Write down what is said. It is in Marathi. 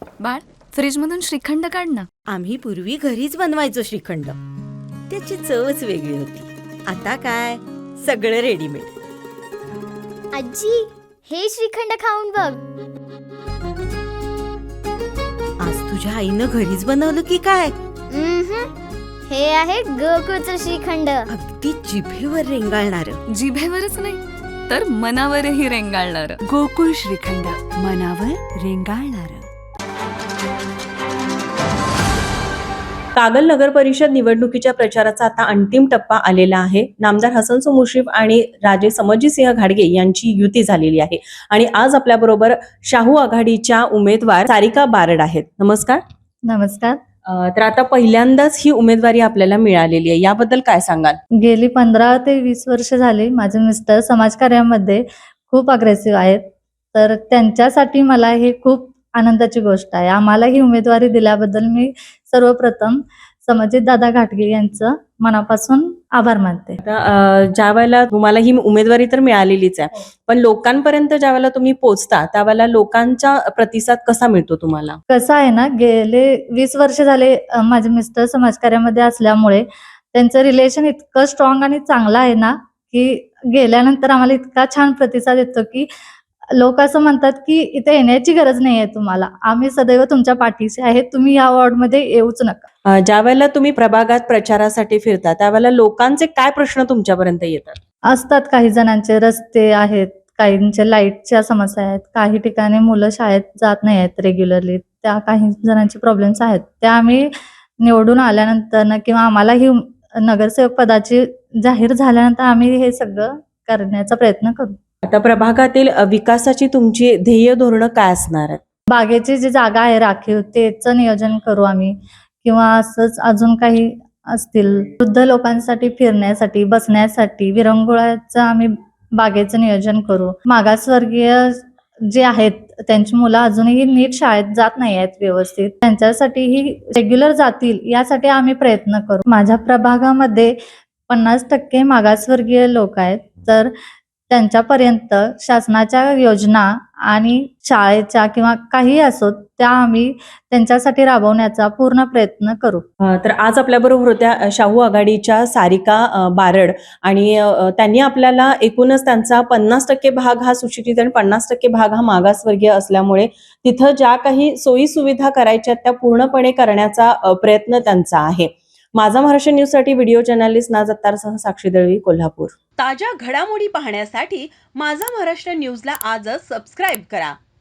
बाळ, फ्रीजमधून श्रीखंड काढ ना. आम्ही पूर्वी घरीच बनवायचो श्रीखंड. त्याची चवच वेगळी होती. आता काय सगळं रेडीमेड. आजी, हे श्रीखंड खाऊन बघ. आज तुझ्या आईनं घरीच बनवलं की काय? हे आहे गोकुळचं श्रीखंड. अगदी जिभेवर रेंगाळणार. जिभेवरच नाही तर मनावरही रेंगाळणार. गोकुळ श्रीखंड, मनावर रेंगाळणार. कागल नगर परिषद निवडणुकीच्या प्रचाराचा आता अंतिम टप्पा आलेला आहे. नामदार हसनसो मुश्रीफ आणि राजे समजीसिंह घाडगे यांची युती झालेली आहे आणि आज आपल्या बरोबर शाहू आघाडीच्या उमेदवार सारिका बारड आहेत. नमस्कार. नमस्कार. तर आता पहिल्यांदाच ही उमेदवारी आपल्याला मिळालेली आहे, याबद्दल काय सांगाल? गेली 15 ते 20 वर्ष झाली माझे मिस्टर समाजकार्यामध्ये खूप अग्रेसिव्ह आहेत, तर त्यांच्यासाठी मला हे खूप आनंदाची गोष्ट आहे. आम्हाला ही उमेदवारी दिल्याबद्दल मी सर्वप्रथम समजित दादा घाटगे यांचं मनापासून आभार मानते. आता ज्या वेळेला तुम्हाला ही उमेदवारी तर मिळालेलीच आहे, पण लोकांपर्यंत ज्या वेळेला तुम्ही पोहोचता त्यावेळेला लोकांचा प्रतिसाद कसा मिळतो तुम्हाला? कसं आहे ना, गेले 20 वर्ष झाले माझे मिस्टर समाजकार्यामध्ये असल्यामुळे त्यांचं रिलेशन इतकं स्ट्रॉंग आणि चांगलं आहे ना, की गेल्यानंतर आम्हाला इतका छान प्रतिसाद येतो की लोक असं म्हणतात की इथे येण्याची गरज नाही आहे तुम्हाला, आम्ही सदैव तुमच्या पाठीशी आहे, तुम्ही या वॉर्डमध्ये येऊच नका. ज्या वेळेला तुम्ही प्रभागात प्रचारासाठी फिरता त्यावेळेला लोकांचे काय प्रश्न तुमच्यापर्यंत येतात? असतात काही जणांचे रस्ते आहेत, काहींचे लाईटच्या समस्या आहेत, काही ठिकाणी मुलं शाळेत जात नाही आहेत रेग्युलरली, त्या काही जणांचे प्रॉब्लेम्स आहेत. त्या आम्ही निवडून आल्यानंतर किंवा आम्हाला ही नगरसेवक पदाची जाहीर झाल्यानंतर आम्ही हे सगळं करण्याचा प्रयत्न करू. आता प्रभागातील विकासाची तुमची ध्येय धोरणं काय असणार आहेत? बागेची जी जागा आहे राखीव त्याचं नियोजन करू आम्ही, किंवा असंच अजून काही असतील वृद्ध लोकांसाठी फिरण्यासाठी, बसण्यासाठी विरंगुळ्याचं आम्ही बागेचं नियोजन करू. मागासवर्गीय जे आहेत त्यांची मुलं अजूनही नीट शाळेत जात नाही आहेत व्यवस्थित, त्यांच्यासाठीही रेग्युलर जातील यासाठी आम्ही प्रयत्न करू. माझ्या प्रभागामध्ये 50% मागासवर्गीय लोक आहेत, तर त्यांच्यापर्यंत शासनाच्या योजना आणि शाळेच्या किंवा काही असोत त्या आम्ही त्यांच्यासाठी राबवण्याचा पूर्ण प्रयत्न करू. तर आज आपल्याबरोबर होत्या शाहू आघाडीच्या सारिका बारड आणि त्यांनी आपल्याला एकूणच त्यांचा 50% भाग हा सुशिक्षित आणि 50% भाग हा मागासवर्गीय असल्यामुळे तिथं ज्या काही सोयी सुविधा करायच्या त्या पूर्णपणे करण्याचा प्रयत्न त्यांचा आहे. माझा महाराष्ट्र न्यूज साठी व्हिडिओ जर्नलिस्ट नाज अत्तारसह साक्षी दळवी, कोल्हापूर. ताज्या घडामोडी पाहण्यासाठी माझा महाराष्ट्र न्यूजला आजच सबस्क्राईब करा.